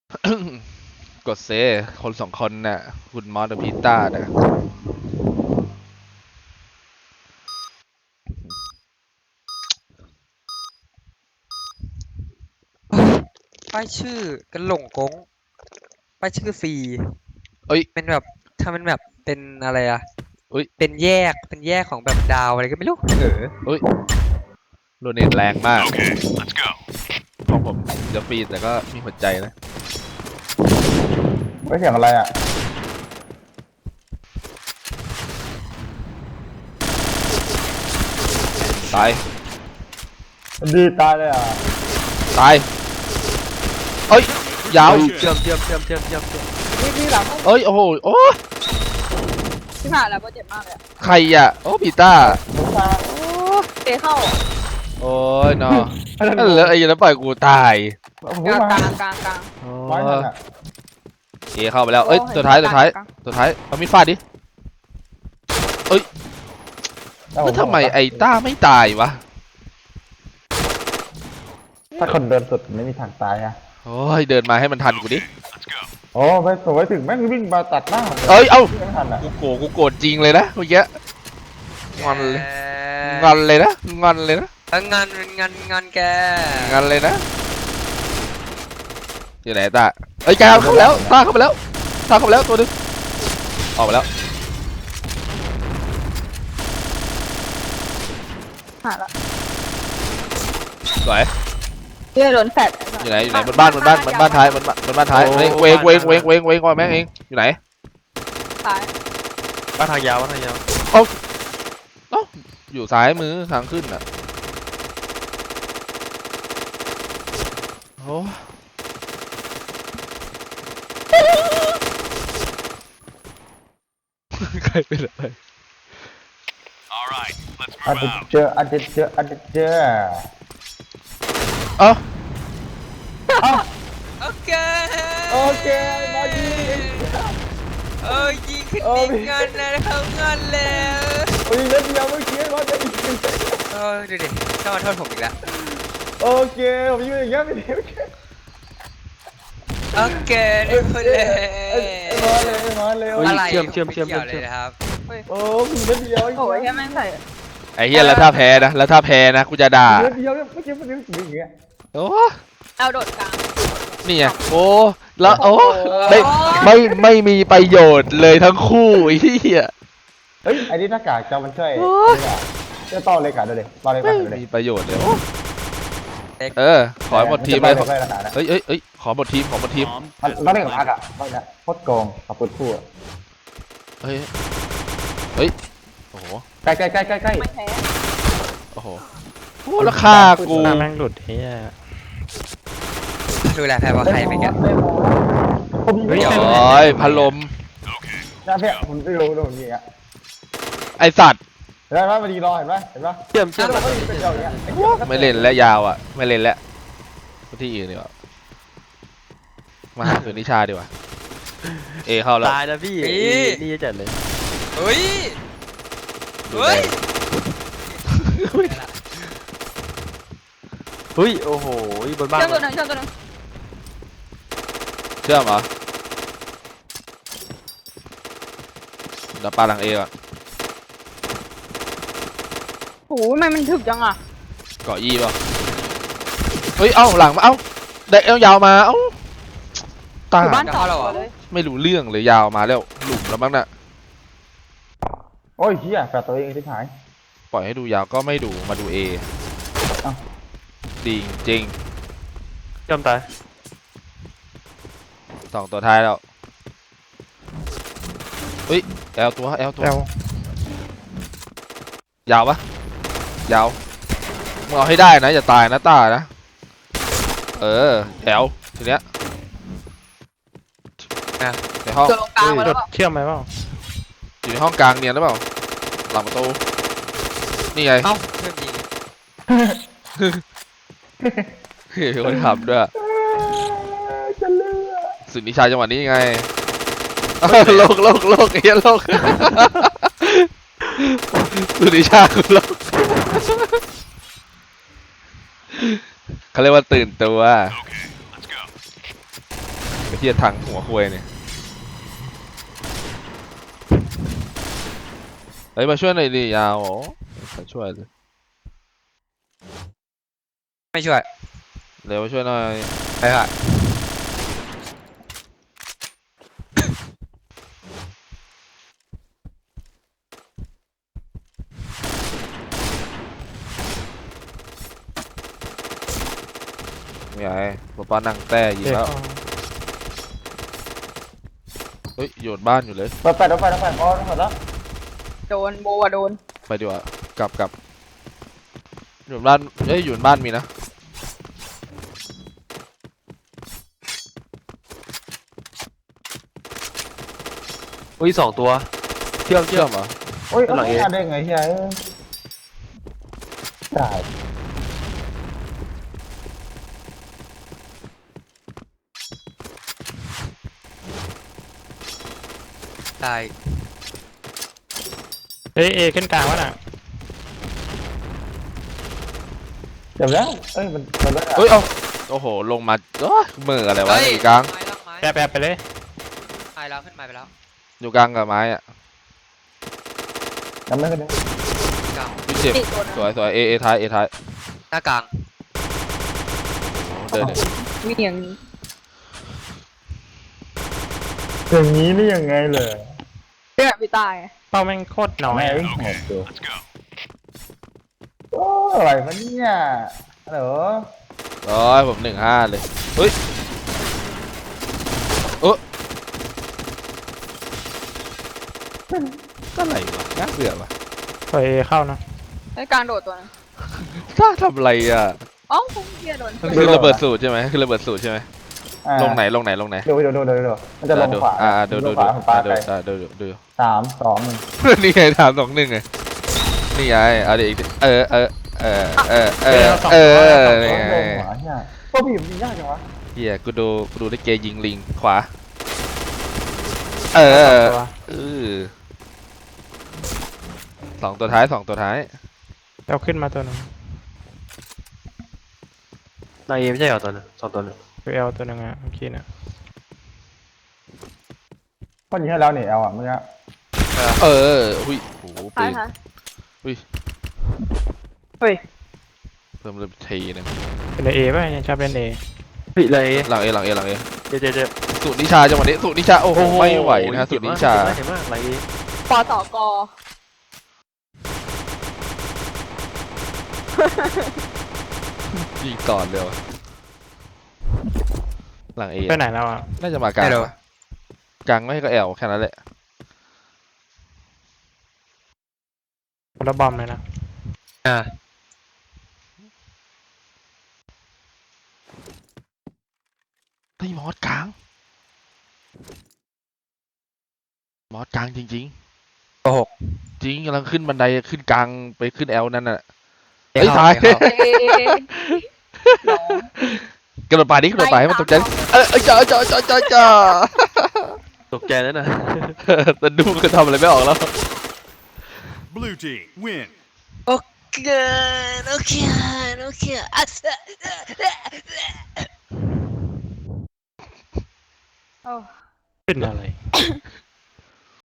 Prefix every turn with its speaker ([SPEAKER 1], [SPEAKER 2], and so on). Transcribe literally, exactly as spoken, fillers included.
[SPEAKER 1] กดเซคนสองคนน่ะคุณมอสกับพีต้าน่ะ
[SPEAKER 2] ป้ายชื่อกันหลงกงป้ายชื่อฟรี
[SPEAKER 1] เอ้ย
[SPEAKER 2] เป็นแบบถ้ามันแบบเป็นอะไรอะ
[SPEAKER 1] เอ้ย
[SPEAKER 2] เป็นแยกเป็นแยกของแบบดาวอะไรก็ไม่รู้เออ
[SPEAKER 1] เอ้ยโดเนทแรงมาก
[SPEAKER 3] Okay, let's go.
[SPEAKER 1] ของผมจะฟรีแต่ก็มีหัวใจนะ
[SPEAKER 4] ไม่เสียงอะไรอ่ะ
[SPEAKER 1] ตาย
[SPEAKER 4] ดีตายเลยอ่ะ
[SPEAKER 1] ตายเอ้ยยาว
[SPEAKER 2] เชื่อมเชื่อมเชื่อมเชื่อมเชื่อมเชื่อม
[SPEAKER 5] พี่พี่หลัง
[SPEAKER 1] เอ้ยโอ้โหโอ้
[SPEAKER 5] พี่ผ่านแล้วโปรเจ็บมากเลยอะ
[SPEAKER 1] ใครอ่ะโอ้พีต้า
[SPEAKER 4] ผมมา
[SPEAKER 5] เตะเข้า
[SPEAKER 1] โอ้ยเนาะนั่นเหลือไอ้ยันแล้วปล่อยกูตาย
[SPEAKER 4] ผม
[SPEAKER 5] กลาง
[SPEAKER 4] มาก
[SPEAKER 5] ลางกลางกลาง
[SPEAKER 1] โอ้
[SPEAKER 4] ไว้นั่นอ่ะ
[SPEAKER 1] เอเข้าไปแล้วเอ้ยตัวท้ายตัวท้ายตัวท้ายเอามีดฟาดดิแล้วทำไมไอ้ต้าไม่ตายวะ
[SPEAKER 4] ถ้าคนเดินสุดไม่มีทางตายอ่ะ
[SPEAKER 1] โอ้ยเดินมาให้มันทันกูดิ
[SPEAKER 3] Let's go.
[SPEAKER 4] โอ้ไปสวยถึงแม่งวิ่งมาตัดหน้าผมล
[SPEAKER 1] เอ้ยเอ้า
[SPEAKER 4] ไม่ทันอ่ะ
[SPEAKER 1] กูโกรธกูโกรธจริงเลยนะเมื่อกี้งอนเลยงอนเลยนะงอนเลยนะ
[SPEAKER 2] เอองานเป็นงานงานแก
[SPEAKER 1] งอนเลยนะอยู่ไหนตาเอ้ยแกเข้าไปแล้วตาเข้าไปแล้วตาเข้าไปแล้วตัวนึงออกไปแล้ว
[SPEAKER 5] ผ่านละ
[SPEAKER 1] สวย
[SPEAKER 5] เพื่อโดนแฟด
[SPEAKER 1] อยู่ไหนอยู่ไหนบนบ้านบนบ้านบนบ้านท้ายบนบ้านบนบ้านท้ายเวงเวงเวงเวงเวงเวงก่อนแม่งเองอยู่ไหน
[SPEAKER 5] ซ้าย
[SPEAKER 2] ว่าทางยาวว่าทางยาว
[SPEAKER 1] เอ้าอยู่ซ้ายมือทางขึ้นอ่ะโอ้ใครเป็นอะไร
[SPEAKER 3] All right, let's
[SPEAKER 4] อัน
[SPEAKER 3] move
[SPEAKER 4] เด
[SPEAKER 3] out.
[SPEAKER 4] เจออันเดเจออันเดเจอ
[SPEAKER 1] เอ้า
[SPEAKER 2] โอเค
[SPEAKER 4] โอเคมาดี
[SPEAKER 2] เออยิงขึ้น
[SPEAKER 4] โอ้
[SPEAKER 2] ดิ
[SPEAKER 4] ย
[SPEAKER 2] งานนะเขางานแล้ว
[SPEAKER 4] โอ้ยเล่นเดียวเมื่อกี้มาดี
[SPEAKER 2] เออดูดิชอบมาโทษผมอีกแล้ว
[SPEAKER 4] โอเคผมยืนอย่างเงี้ยไม่ดีโอเค
[SPEAKER 2] โอเคได้คนเลย
[SPEAKER 4] มาเลยมาเลย
[SPEAKER 2] อะไรเชื่อมเชื่อมเชื่อมเชื่อมเลยนะครับ
[SPEAKER 4] โอ้ผมเล่นเดียว
[SPEAKER 5] โอ้ยแค่แม่งใส่
[SPEAKER 1] ไอ้เหี้ยแล้วถ้าแพ้นะแล้วถ้าแพ้นะกูจะด่า
[SPEAKER 4] เล่นเดียวเมื่อกี้มันอย่างเงี้ย
[SPEAKER 1] โอ้
[SPEAKER 5] เอาโดดกลาง
[SPEAKER 1] นี่ไงโอ้แล้วโอ้ไม่ไม่ไม่มีประโยชน์เลยทั้งคู่ไอ้เหี้ย
[SPEAKER 4] เฮ้ยไอ้นี่หน้ากากจะมันช่วยจะต่อเลยกะดูดิต่อเลย
[SPEAKER 1] ไม่
[SPEAKER 4] กะดูดิ
[SPEAKER 1] มีประโยชน์เลยโอ้เออขอหมดทีมเลยเอ้ยเอ้ยเอ้ยขอหมดทีมขอหมดทีม
[SPEAKER 3] Bomb
[SPEAKER 4] มัน
[SPEAKER 3] has
[SPEAKER 4] มัน
[SPEAKER 3] been
[SPEAKER 4] เล่นกับพัก
[SPEAKER 3] planted.
[SPEAKER 4] อ่ะไม่นะโคตรโกงขับปืนคู่
[SPEAKER 1] เฮ้ยเฮ้ยโอ้โห
[SPEAKER 4] ใกล้ใกล้ใกล้ใกล้ใกล้
[SPEAKER 5] ไม่แพ้
[SPEAKER 1] โอ้โหโอ้แล้วฆ่ากู
[SPEAKER 6] หน้าแม่งหลุดเฮีย
[SPEAKER 2] ดูแลแพ้ว่าใครไปกัน
[SPEAKER 4] ผมไม่
[SPEAKER 1] โ
[SPEAKER 4] ได้
[SPEAKER 1] อ้ยพัดลม
[SPEAKER 3] Okay,
[SPEAKER 4] นะเพี่ยผมไม่รู้โดนอย่างเงี้ย
[SPEAKER 1] ไอสัตว์
[SPEAKER 4] เห็นไหมมันดีรอเห็นไหมเห็นไหม
[SPEAKER 2] เชื่อมเชื่อม
[SPEAKER 4] มันก็เป็นอย่างเงี้ย
[SPEAKER 1] ไม่เล่นแล้วยาวอ่ะไม่เล่นแล้วที่อื่นดีกว่ามาหาสุนิชาดีกว่าเอเข้าแล้ว
[SPEAKER 6] ตายแล้วพี่นี่จะจัดเลย
[SPEAKER 2] เฮ้ยเฮ้ย
[SPEAKER 6] เฮ้ยโอ้โหบนบ้าน
[SPEAKER 5] เชื่อมตัวหนึ่งเชื่อมตัวหนึ่ง
[SPEAKER 1] เชื่อมเหรอเดี๋ยวปาหลังเอก่อน
[SPEAKER 5] โอ้ยทำไมมันถึกจังอ่ะ
[SPEAKER 1] เกาะยี่ป่ะเฮ้ยเอ้าหลังมาเอ้าได้เอ้ายาวมาเอ้าตา
[SPEAKER 5] อยู่บ้านสองตัวเลย
[SPEAKER 1] ไม่รู้เรื่องเลยยาวมาแล้วหลุมแล้วมั้งน่ะ
[SPEAKER 4] โอ้ยเฮียแฝดตัวเองที่หาย
[SPEAKER 1] ปล่อยให้ดูยาวก็ไม่ดูมาดูเอ
[SPEAKER 4] เอ้า
[SPEAKER 1] ดีจริง
[SPEAKER 6] เชื่อมตาย
[SPEAKER 1] สองตัวท้ายแล้วเฮ้ยแอลตัวแอลตัว
[SPEAKER 6] เอล
[SPEAKER 1] ยาวปะยาวมึงเอาให้ได้นะอย่าตายนะตานะเออแอลทีเนี้ยในห้อง
[SPEAKER 5] ตัวลงกลางมา
[SPEAKER 6] ห
[SPEAKER 5] แล้
[SPEAKER 6] ลุ
[SPEAKER 5] ว
[SPEAKER 6] ดเชื่อมไหมเปล่า
[SPEAKER 1] อยู่ในห้องกลางเนียนหรือเปล่าหลังประตูนี่ไง
[SPEAKER 2] เอ้าเชื่อมยิง
[SPEAKER 1] เฮ้ยคนทำด้วย
[SPEAKER 4] จะเลือ
[SPEAKER 1] สุดนิชาจังหวะนี้ไงโลกโลกโลกเฮียโลกสุดนิชาคือโลกเขาเรียกว่าตื่นตัว
[SPEAKER 3] okay, let's go.
[SPEAKER 1] ไอ้เหี้ยถังหัวควยเนี่ยเฮ้ยมาช่วยหน่อยดิยาวอ๋อมาช่วยเลย
[SPEAKER 2] ไม่ช่วย
[SPEAKER 1] เร็วมาช่วยหน่อย
[SPEAKER 2] ไปค่ะ
[SPEAKER 1] ไม่ไงป๊าป้านั่งแต้ยิง
[SPEAKER 6] เด็ก
[SPEAKER 1] แล้วเฮ้ยโยนบ้านอยู่เลย
[SPEAKER 4] ไปไปไปไปอ๋อหมดแล้ว
[SPEAKER 5] โดนโบอะโดน
[SPEAKER 1] ไปดีกว่ากลับกลับอยู่บ้านเอ้ยอยู่บ้านมีนะ
[SPEAKER 6] อุ้ยสองตัวเชื่อมเชื่
[SPEAKER 1] เชื่
[SPEAKER 6] อ
[SPEAKER 1] อ
[SPEAKER 6] ม
[SPEAKER 1] มเหรอ
[SPEAKER 4] โอ้ย
[SPEAKER 6] ข้างหลังเอ
[SPEAKER 4] เอาได้ไงเฮียได้
[SPEAKER 2] ตาย
[SPEAKER 7] เฮ้ยเอขึ้นกลางวะน่ะ
[SPEAKER 4] เดี๋ยวแล้วเอ้ยมันมันไม่ได้
[SPEAKER 1] เฮ้ยเอาโอ้โหลงมาโอ้ยมืออะไรวะ
[SPEAKER 2] เฮ้ย
[SPEAKER 1] อยู่กลาง
[SPEAKER 2] ไม้แล้วไม้
[SPEAKER 7] แปะแปะไปเลย
[SPEAKER 2] ไม้แล้วขึ้นไม้ไปแล้ว
[SPEAKER 1] อยู่กลางกับไม้อะ
[SPEAKER 4] ยังไม่ขึ้นเลย
[SPEAKER 2] กลาง
[SPEAKER 1] พี่เจ็บ
[SPEAKER 5] ติดตัวนึง
[SPEAKER 1] สวยสวยเอเอท้ายเอท้าย
[SPEAKER 2] หน้ากลาง
[SPEAKER 1] เดินเดิน
[SPEAKER 5] มีอย่างนี้
[SPEAKER 4] อย่างนี้นี่ยังไงเลย
[SPEAKER 5] เพื่อนพี่ตายไง
[SPEAKER 7] เป้าแม่งโคตรน้อย
[SPEAKER 4] แม่
[SPEAKER 7] อะ
[SPEAKER 4] งหมดตัว
[SPEAKER 3] Let's go.
[SPEAKER 4] โอ้อะไรวะเนี่ยฮัลโหล
[SPEAKER 1] ร้อยผมหนึ่งห้าเลยเฮ้ยเออก็อะไรวะน่าเบื่อวะ
[SPEAKER 7] ปล่อยเอเข้านะ
[SPEAKER 5] ไอ้กลางโดดตัวนึง
[SPEAKER 1] ถ้าทำอะไรอ่ะ
[SPEAKER 5] อ๋อคงเฮียโดน
[SPEAKER 1] มันคือระเบิดสูตรใช่ไหมคือระเบิดสูตรใช่ไหม
[SPEAKER 4] อ่า
[SPEAKER 1] ลงไหนลงไหนลงไหน
[SPEAKER 4] ดูดูดูดูดูมันจะลง
[SPEAKER 1] ดู
[SPEAKER 4] ขวา
[SPEAKER 1] อ่าดูดู
[SPEAKER 4] ข
[SPEAKER 1] ดู
[SPEAKER 4] วาของปลา
[SPEAKER 1] ดู
[SPEAKER 4] ไป
[SPEAKER 1] ดูดูดู
[SPEAKER 4] สามสองหนึ่ง
[SPEAKER 1] นี่ไงถามสองหนึ่งไงนี่ไงเอาดิอีกดิเออเออเออเออเออเออนี่ไง
[SPEAKER 4] ลงขวาเนี่ยโอ้บีบยิงยากจังวะ
[SPEAKER 1] เฮียกูดูกูดูได้เกยิงลิงขวาเออ
[SPEAKER 7] ตัว
[SPEAKER 1] เออสองตัวท้ายสองตัวท้าย
[SPEAKER 7] เอาขึ้นมาตัวหนึง
[SPEAKER 6] นายเอไม่ใช่เหรอตัวนึงสองตัวนึง
[SPEAKER 7] ตัวเอลตัวหนึงอ่ะเมื่อกี้น่ะ
[SPEAKER 4] พ่อยิงให้แล้วนี่เอาอ่ะเมื่อกี้
[SPEAKER 1] เออหุ้ยโอ้โห
[SPEAKER 5] ท้า
[SPEAKER 1] ปื
[SPEAKER 5] ย
[SPEAKER 1] น
[SPEAKER 5] ท้าย
[SPEAKER 1] อุ้ย
[SPEAKER 5] เฮ้ย
[SPEAKER 1] เพิ่มเลยทีนึง
[SPEAKER 7] เป็นเอป่ะยังชอบเป็นเอ
[SPEAKER 6] เฮ้ยเลย
[SPEAKER 1] หลังเอหลังเอหลังเอ
[SPEAKER 6] เจ๊เจ๊เจ๊
[SPEAKER 1] สูตรนิชาจังหวะนี้สูตรนิชาโอ้โหไม่ไหวนะสูตรนิชา
[SPEAKER 6] เห็นมากไร
[SPEAKER 5] ปอต่อกอ
[SPEAKER 1] ยิงก่อนเร็วหลังเอ
[SPEAKER 7] ไปไหนแล้วอ่ะ
[SPEAKER 1] น่าจะมากลาง
[SPEAKER 2] ไม่รู้
[SPEAKER 1] ปะกลางไม่ก็แอลแค่นั้นแหละ
[SPEAKER 7] คนละบอมเลยนะ
[SPEAKER 2] อ่า
[SPEAKER 1] เฮ้ยมอสกลางมอสกลางจริง
[SPEAKER 2] โกหก
[SPEAKER 1] ๆ จริงกำลังขึ้นบันไดขึ้นกลางไปขึ้นแอลนั่นน่ะ
[SPEAKER 2] เอ้
[SPEAKER 1] เฮ้ยตาย
[SPEAKER 2] เข้
[SPEAKER 5] เอเอเอเอน้อง
[SPEAKER 1] กระโดดป่าดิกระโดดป่าให้มันตกใจเออเออจ้าจ้าจ้าจ้าจ้า
[SPEAKER 6] ตกใจแล้วนะ
[SPEAKER 1] แต่ดูคือทำอะไรไม่ออกแล้ว
[SPEAKER 3] Blue team, win.
[SPEAKER 2] โอเคโอเคโอเคอ่ะ
[SPEAKER 5] โอ้
[SPEAKER 7] ขึ้นอะไร